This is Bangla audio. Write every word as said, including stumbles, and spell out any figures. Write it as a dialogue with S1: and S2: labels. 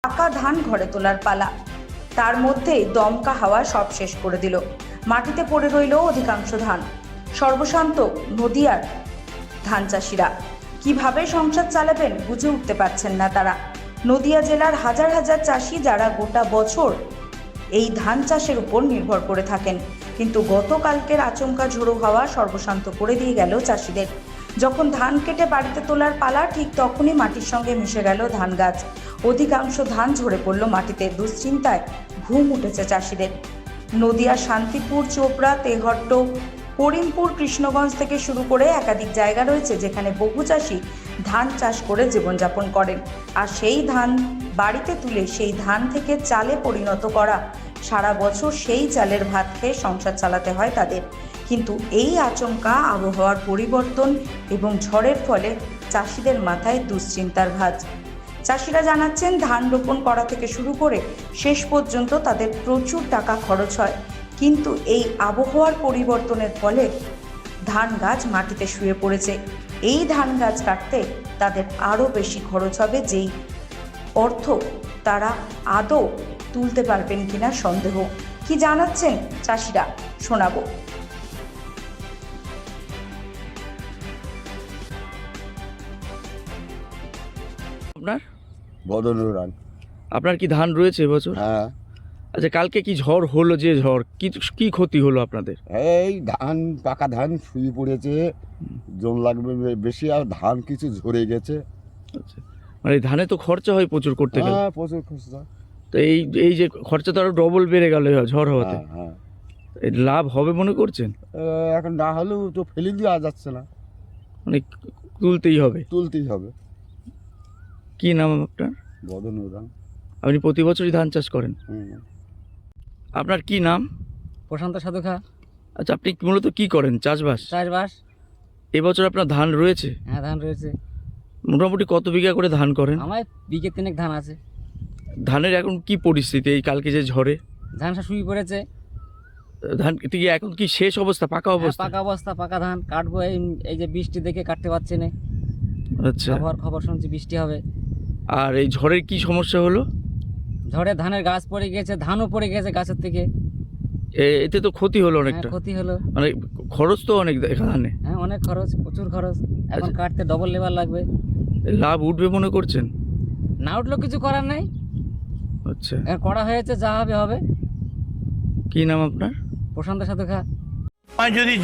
S1: পাকা ধান ঘরে তোলার পালা। তার মধ্যেই দমকা হাওয়া সব শেষ করে দিল। মাটিতে পড়ে রইল অধিকাংশ ধান। সর্বশান্ত নদিয়ার ধান চাষিরা কিভাবে সংসার চালাবেন বুঝে উঠতে পারছেন না তারা। নদিয়া জেলার হাজার হাজার চাষি যারা গোটা বছর এই ধান চাষের উপর নির্ভর করে থাকেন, কিন্তু গতকালকের আচমকা ঝোড়ো হাওয়া সর্বশান্ত করে দিয়ে গেল চাষিদের। যখন ধান কেটে বাড়িতে তোলার পালা, ঠিক তখনই মাটির সঙ্গে মিশে গেল ধান গাছ। অধিকাংশ ধান ঝরে পড়ল মাটিতে। দুশ্চিন্তায় ঘুম উঠেছে চাষিদের। নদিয়া শান্তিপুর, চোপড়া, তেহট্ট, করিমপুর, কৃষ্ণগঞ্জ থেকে শুরু করে একাধিক জায়গা রয়েছে যেখানে বহু চাষি ধান চাষ করে জীবনযাপন করেন। আর সেই ধান বাড়িতে তুলে সেই ধান থেকে চালে পরিণত করা, সারা বছর সেই চালের ভাত খেয়ে সংসার চালাতে হয় তাদের। কিন্তু এই আচমকা আবহাওয়ার পরিবর্তন এবং ঝড়ের ফলে চাষিদের মাথায় দুশ্চিন্তার ভাঁজ। চাষিরা জানাচ্ছেন, ধান রোপণ করা থেকে শুরু করে শেষ পর্যন্ত তাদের প্রচুর টাকা খরচ হয়, কিন্তু এই আবহাওয়ার পরিবর্তনের ফলে ধান গাছ মাটিতে শুয়ে পড়েছে। এই ধান গাছ কাটতে তাদের আরও বেশি খরচ হবে, যেই অর্থ তারা আদৌ তুলতে পারবেন কিনা সন্দেহ। কি জানাচ্ছেন চাষিরা শোনাবো।
S2: আপনার
S3: বদনুর রান।
S2: আপনার কি ধান রয়েছে এবছর?
S3: হ্যাঁ,
S2: আচ্ছা, কালকে কি ঝড় হলো? যে ঝড় কি কি ক্ষতি হলো আপনাদের?
S3: এই ধান পাকা ধান শুয়ে পড়েছে, জল লাগবে বে- বেশি, আর ধান কিছু ঝরে গেছে।
S2: আচ্ছা, মানে এই ধানে তো খরচা হয় প্রচুর করতে গেলে।
S3: হ্যাঁ, প্রচুর খরচা।
S2: তো এই এই যে খরচা তো আরো ডবল বেড়ে গেল এই ঝড় হওয়াতে।
S3: হ্যাঁ, হ্যাঁ।
S2: এই লাভ হবে মনে করছেন?
S3: এ, এখন না হলেও তো ফেলে দেওয়া যাচ্ছে না,
S2: মানে তুলতেই হবে।
S3: তুলতেই হবে।
S2: কি নাম আপনার?
S3: বদনুর রান।
S2: আপনি প্রতি বছরই ধান চাষ করেন?
S3: হুম।
S2: আপনার কি নাম?
S4: প্রশান্ত সাধুখা।
S2: আচ্ছা, আপনি মূলত কি করেন? চাষবাস?
S4: চাষবাস।
S2: এবছর আপনার ধান রয়েছে?
S4: হ্যাঁ, ধান রয়েছে।
S2: মোটামুটি কত বিঘা করে ধান করেন?
S4: আমার বিঘে তিনেক ধান আছে।
S2: ধানের এখন কি পরিস্থিতি এই কালকে যে ঝড়ে?
S4: ধান সব শুয়ে পড়েছে।
S2: ধান কি এখন কি শেষ অবস্থা, পাকা
S4: হ্যাঁ,
S2: অবস্থা?
S4: পাকা অবস্থা, পাকা ধান কাটবো। এই এই যে বৃষ্টি দেখে কাটতে পারছি না।
S2: আচ্ছা,
S4: আবহাওয়ার খবর শুনছি বৃষ্টি হবে।
S2: আর এই ঝড়ের কি সমস্যা হলো?
S4: ঝড়ে ধানের গাছ পড়ে গেছে, ধানও পড়ে গেছে গাছের থেকে।
S2: এ- এতে তো ক্ষতি হলো
S4: হ্যাঁ,
S2: অনেকটা।
S4: ক্ষতি হলো।
S2: মানে খরচ তো অনেক এখানে।
S4: হ্যাঁ, অনেক খরচ, প্রচুর খরচ। এখন
S2: আচ্ছা।
S4: কাটতে ডবল লেবার লাগবে।
S2: লাভ উঠবে মনে করছেন?
S4: না উঠলেও কিছু করার নেই।
S2: আচ্ছা,
S4: এখন করা হয়েছে, যা হবে হবে।
S2: কি নাম আপনার?
S4: প্রশান্ত সাধুখা।
S5: যদি